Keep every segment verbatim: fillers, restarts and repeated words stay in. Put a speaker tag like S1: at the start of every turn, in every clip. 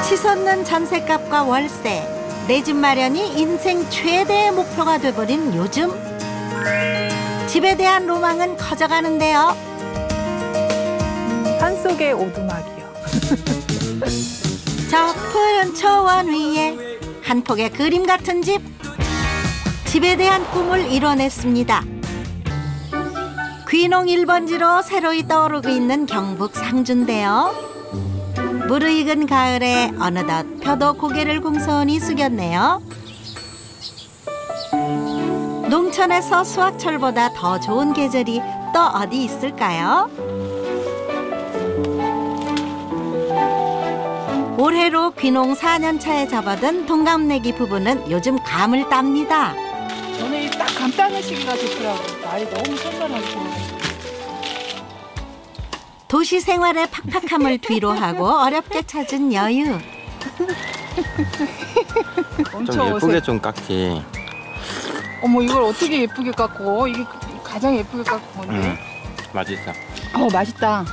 S1: 치솟는 전셋값과 월세, 내 집 마련이 인생 최대의 목표가 돼버린 요즘. 집에 대한 로망은 커져가는데요.
S2: 산속의 오두막이요.
S1: 저 푸른 초원 위에 한 폭의 그림 같은 집. 집에 대한 꿈을 이뤄냈습니다. 귀농 일 번지로 새로이 떠오르고 있는 경북 상주인데요. 무르익은 가을에 어느덧 표도 고개를 공손히 숙였네요. 농촌에서 수확철보다 더 좋은 계절이 또 어디 있을까요? 올해로 귀농 사 년 차에 접어든 동갑내기 부부는 요즘 감을 땁니다.
S2: 저는 이 딱 감 따는 시기가 좋더라고요. 날이 너무 선선하고.
S1: 도시 생활의 팍팍함을 뒤로하고 어렵게 찾은 여유.
S3: 좀 예쁘게 좀 깎기.
S2: 어머, 이걸 어떻게 예쁘게 깎고? 이게 가장 예쁘게 깎은 건데.
S3: 음, 맛있어.
S2: 어, 맛있다.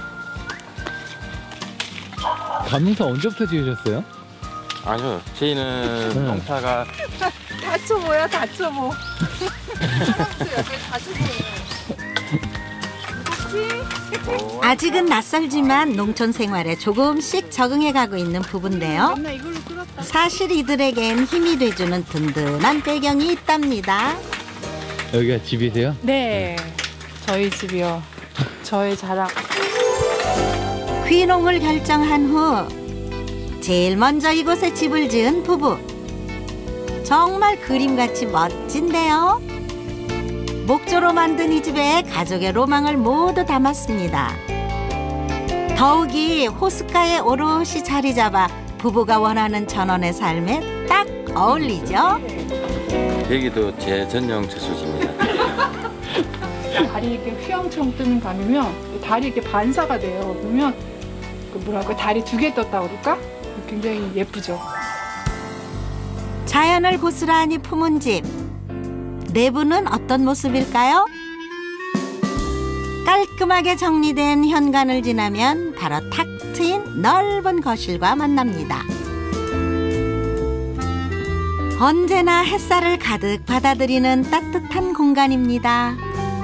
S4: 감농사 언제부터 지으셨어요?
S3: 아니요, 저희는
S4: 네.
S3: 농사가
S2: 다쳐보야, 다쳐보.
S1: 아직은 낯설지만 농촌 생활에 조금씩 적응해가고 있는 부부인데요.
S2: 맨날 이걸로 끓였다.
S1: 사실 이들에겐 힘이 돼주는 든든한 배경이 있답니다.
S4: 여기가 집이세요?
S2: 네, 저희 집이요. 저의 자랑.
S1: 귀농을 결정한 후 제일 먼저 이곳에 집을 지은 부부. 정말 그림같이 멋진데요. 목조로 만든 이 집에 가족의 로망을 모두 담았습니다. 더욱이 호숫가에 오롯이 자리 잡아 부부가 원하는 전원의 삶에 딱 어울리죠.
S3: 여기도 제 전용 채소지입니다.
S2: 다리 이렇게 휘황처럼 뜨는 감이면 다리 이렇게 반사가 돼요. 그러면 그 뭐랄까 다리 두 개 떴다고 그럴까? 굉장히 예쁘죠.
S1: 자연을 고스란히 품은 집. 내부는 어떤 모습일까요? 깔끔하게 정리된 현관을 지나면 바로 탁 트인 넓은 거실과 만납니다. 언제나 햇살을 가득 받아들이는 따뜻한 공간입니다.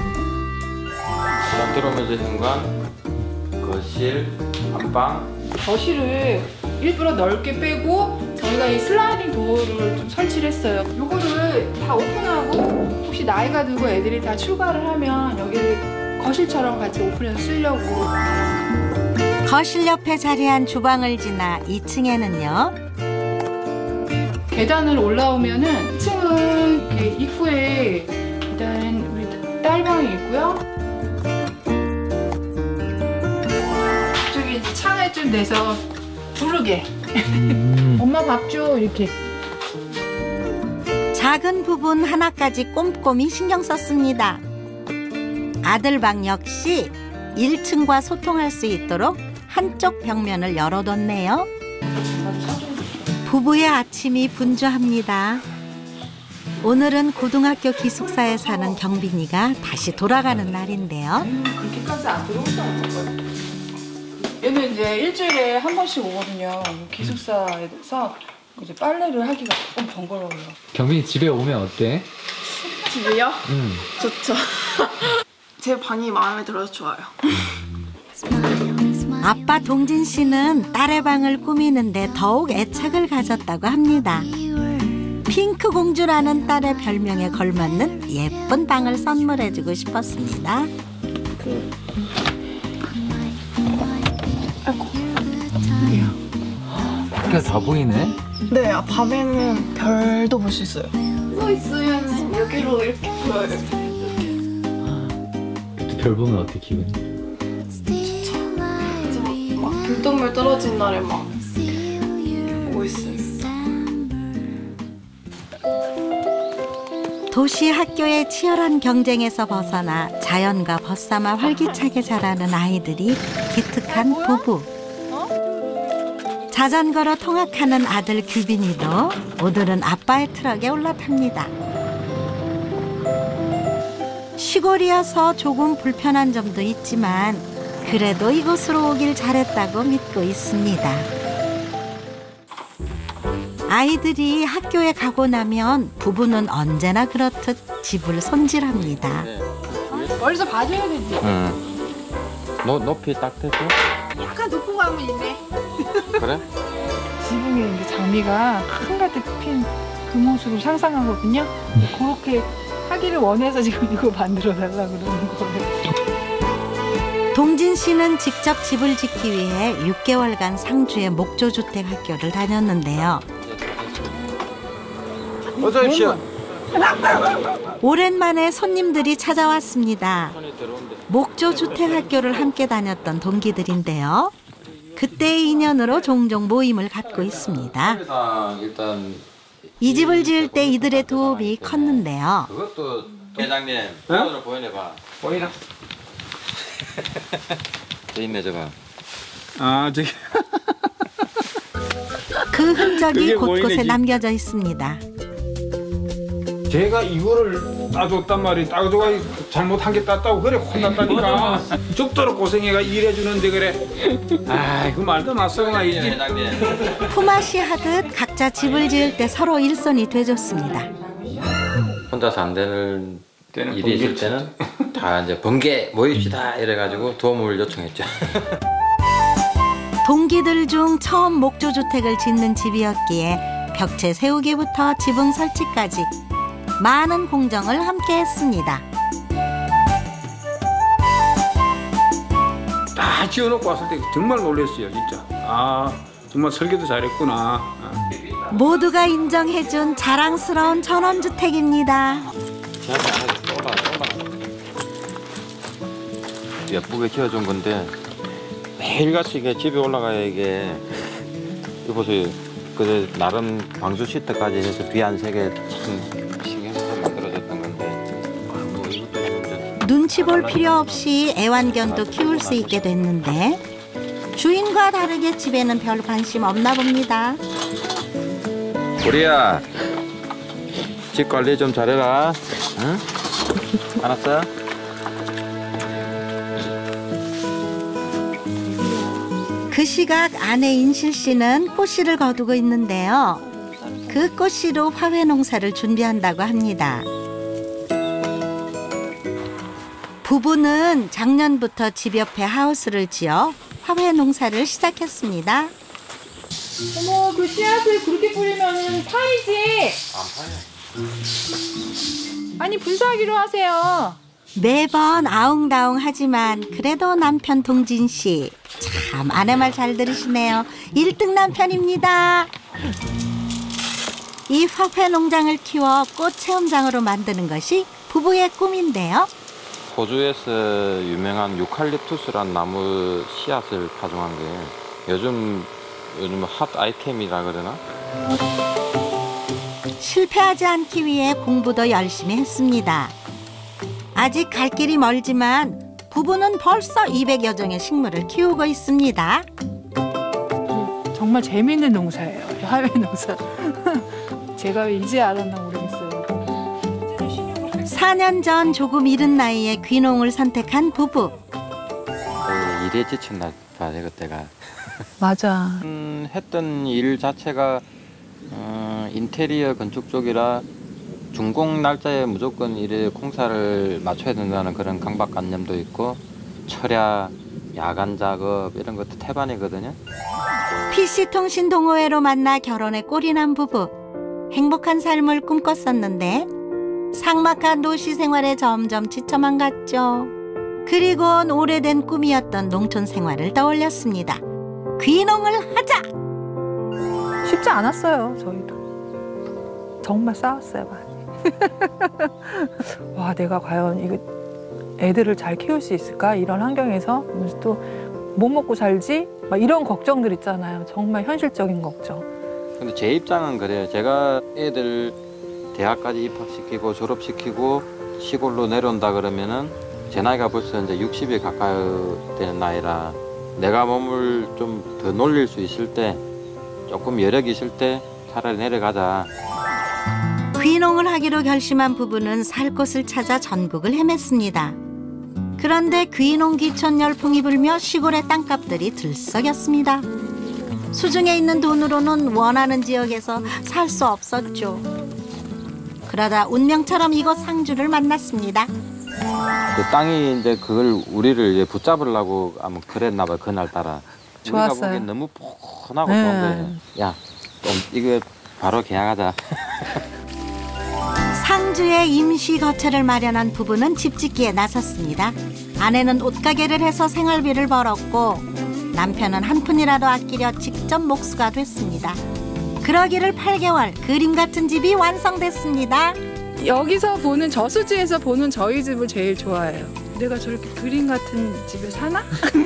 S3: 자, 들어오면서 현관, 거실, 안방.
S2: 거실을 일부러 넓게 빼고 저희가 이 슬라이딩 도어를 좀 설치를 했어요. 요거를 다 오픈하고 혹시 나이가 들고 애들이 다 출가를 하면 여기를 거실처럼 같이 오픈해서 쓰려고.
S1: 거실 옆에 자리한 주방을 지나 이 층에는요.
S2: 계단을 올라오면은 이 층은 이렇게 입구에 일단 우리 딸방이 있고요. 저기 이제 창을 좀 내서 부르게.
S4: 음.
S2: 엄마 밥 줘 이렇게.
S1: 작은 부분 하나까지 꼼꼼히 신경 썼습니다. 아들 방 역시 일 층과 소통할 수 있도록 한쪽 벽면을 열어뒀네요. 부부의 아침이 분주합니다. 오늘은 고등학교 기숙사에 사는 경빈이가 다시 돌아가는 날인데요.
S2: 그렇게까지 안 들어오지 않을 거예요. 얘는 이제 일주일에 한 번씩 오거든요. 기숙사에서 이제 빨래를 하기가 조금 번거로워요.
S4: 경빈이 집에 오면 어때?
S5: 집이요?
S4: 응.
S5: 좋죠. 제 방이 마음에 들어서 좋아요.
S1: 아빠 동진 씨는 딸의 방을 꾸미는데 더욱 애착을 가졌다고 합니다. 핑크 공주라는 딸의 별명에 걸맞는 예쁜 방을 선물해주고 싶었습니다.
S4: 밖에 다 보이네?
S5: 네, 아, 밤에는 별도 볼 수 있어요. 누워 있으면 여기로 이렇게 보여요.
S4: 별 보면 어때 기분이?
S5: 이제 막, 막 불똥물 떨어진 날에 막 보고 있어요.
S1: 도시 학교의 치열한 경쟁에서 벗어나 자연과 벗삼아 활기차게 자라는 아이들이 기특한 부부. 자전거로 통학하는 아들 규빈이도 오늘은 아빠의 트럭에 올라탑니다. 시골이어서 조금 불편한 점도 있지만 그래도 이곳으로 오길 잘했다고 믿고 있습니다. 아이들이 학교에 가고 나면 부부는 언제나 그렇듯 집을 손질합니다.
S3: 네.
S2: 멀리서 봐줘야 되지.
S3: 응. 노, 높이 딱 대고.
S2: 약간 높은 거 하면 있네.
S3: 그래?
S2: 지붕에 이제 장미가 한가득 핀 그 모습을 상상하거든요. 그렇게 하기를 원해서 지금 이거 만들어 달라 그러는 거예요.
S1: 동진 씨는 직접 집을 짓기 위해 육 개월간 상주의 목조주택 학교를 다녔는데요.
S3: 어서 오십시오.
S1: 오랜만에 손님들이 찾아왔습니다.
S3: 손이 들어온대.
S1: 목조주택 학교를 함께 다녔던 동기들인데요. 그때의 인연으로 종종 모임을 갖고 있습니다.
S3: 일단 일단
S1: 이 집을 지을 때 이들의 도움이 컸는데요.
S3: 그것도 회장님 손으로 보여내봐.
S6: 보이나?
S3: 저 인내줘봐.
S6: 아 저기
S1: 그 흔적이
S6: 그게
S1: 곳곳에
S6: 보이네, 집.
S1: 남겨져 있습니다.
S6: 제가 이거를 따줬단 말이야. 따줘가 잘못한 게 땄다고 그래 혼났다니까. 죽도록 고생해가 일해주는데 그래. 아 그 말도 낯설어나 이 집.
S3: 회장님.
S1: 품앗이 하듯 각자 집을 지을 때 서로 일손이 돼줬습니다.
S3: 혼자서 안 되는
S6: 때는
S3: 일이 있을
S6: 번개
S3: 때는 다 이제 번개 모입시다 이래가지고 도움을 요청했죠.
S1: 동기들 중 처음 목조주택을 짓는 집이었기에 벽체 세우기부터 지붕 설치까지 많은 공정을 함께 했습니다.
S6: 다 지어놓고 왔을 때 정말 놀랐어요 진짜. 아 정말 설계도 잘했구나. 아.
S1: 모두가 인정해준 자랑스러운 전원주택입니다.
S3: 지하철 안에서 쏘라 쏘라. 예쁘게 지어준 건데 매일같이 이게 집에 올라가야 이게 이거 보세요. 그 나름 방수 시트까지 해서 비 안 새게 참 신경 써서 만들어졌던 건데 뭐 이것도 이제
S1: 눈치 볼 필요 없이 애완견도 키울 수 있게 됐는데 주인과 다르게 집에는 별 관심 없나 봅니다.
S3: 우리야 집 관리 좀 잘해라. 응? 알았어?
S1: 그 시각 아내 인실 씨는 꽃씨를 거두고 있는데요. 그 꽃씨로 화훼 농사를 준비한다고 합니다. 부부는 작년부터 집 옆에 하우스를 지어 화훼 농사를 시작했습니다.
S2: 어머 그 씨앗을 그렇게 뿌리면 파이지.
S3: 안 파요.
S2: 아니 분사하기로 하세요.
S1: 매번 아웅다웅 하지만 그래도 남편 동진 씨 참 아내 말 잘 들으시네요. 일 등 남편입니다. 이 화훼 농장을 키워 꽃 체험장으로 만드는 것이 부부의 꿈인데요.
S3: 호주에서 유명한 유칼립투스란 나무 씨앗을 파종한 게 요즘 요즘 핫 아이템이라 그러나?
S1: 실패하지 않기 위해 공부도 열심히 했습니다. 아직 갈 길이 멀지만 부부는 벌써 이백여 종의 식물을 키우고 있습니다.
S2: 정말 재미있는 농사예요. 화훼 농사. 제가 왜 이제 알았나 모르겠어요.
S1: 사 년 전 조금 이른 나이에 귀농을 선택한 부부.
S3: 거의 일에 지쳤나 봐, 그때가.
S2: 맞아.
S3: 음, 했던 일 자체가 어, 인테리어 건축 쪽이라 준공 날짜에 무조건 일에 공사를 맞춰야 된다는 그런 강박관념도 있고 철야, 야간 작업 이런 것도 태반이거든요.
S1: 피씨통신 동호회로 만나 결혼에 꼴이 난 부부. 행복한 삶을 꿈꿨었는데 삭막한 도시 생활에 점점 지쳐만 갔죠. 그리곤 오래된 꿈이었던 농촌 생활을 떠올렸습니다. 귀농을 하자!
S2: 쉽지 않았어요. 저희도. 정말 싸웠어요. 많이. 와 내가 과연 이거 애들을 잘 키울 수 있을까? 이런 환경에서 또 못 먹고 살지? 막 이런 걱정들 있잖아요. 정말 현실적인 걱정.
S3: 근데 제 입장은 그래요. 제가 애들 대학까지 입학시키고 졸업시키고 시골로 내려온다 그러면은 제 나이가 벌써 이제 육십에 가까이 되는 나이라 내가 몸을 좀 더 놀릴 수 있을 때 조금 여력이 있을 때 차라리 내려가자.
S1: 귀농을 하기로 결심한 부부는 살 곳을 찾아 전국을 헤맸습니다. 그런데 귀농 귀촌 열풍이 불며 시골의 땅값들이 들썩였습니다. 수중에 있는 돈으로는 원하는 지역에서 살 수 없었죠. 그러다 운명처럼 이곳 상주를 만났습니다.
S3: 그 땅이 이제 그걸 우리를 이제 붙잡으려고 아마 그랬나 봐요. 그날 따라. 우리가
S2: 좋았어요.
S3: 보기엔 너무 포근하고
S2: 네.
S3: 좋은 거예요. 야, 좀 이거 바로 계약하자.
S1: 상주에 임시 거처를 마련한 부부는 집 짓기에 나섰습니다. 아내는 옷가게를 해서 생활비를 벌었고 남편은 한 푼이라도 아끼려 직접 목수가 됐습니다. 그러기를 팔 개월, 그림 같은 집이 완성됐습니다.
S2: 여기서 보는 저수지에서 보는 저희 집을 제일 좋아해요. 내가 저렇게 그림 같은 집에 사나?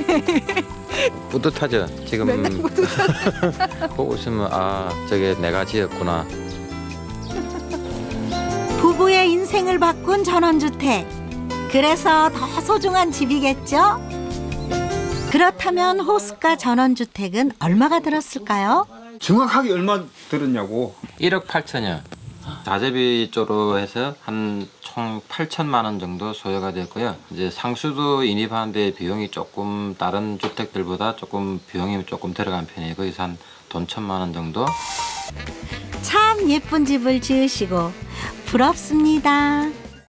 S3: 뿌듯하죠. 지금 보고 있으면 아 저게 내가 지었구나.
S1: 부부의 인생을 바꾼 전원주택. 그래서 더 소중한 집이겠죠? 그렇다면 호숫가 전원주택은 얼마가 들었을까요?
S6: 정확하게 얼마 들었냐고.
S3: 일억 팔천여. 자재비 쪽으로 해서 한 총 팔천만 원 정도 소요가 됐고요. 이제 상수도 인입하는데 비용이 조금 다른 주택들보다 조금 비용이 조금 들어간 편이에요. 거기서 한 돈 천만 원 정도.
S1: 참 예쁜 집을 지으시고 부럽습니다.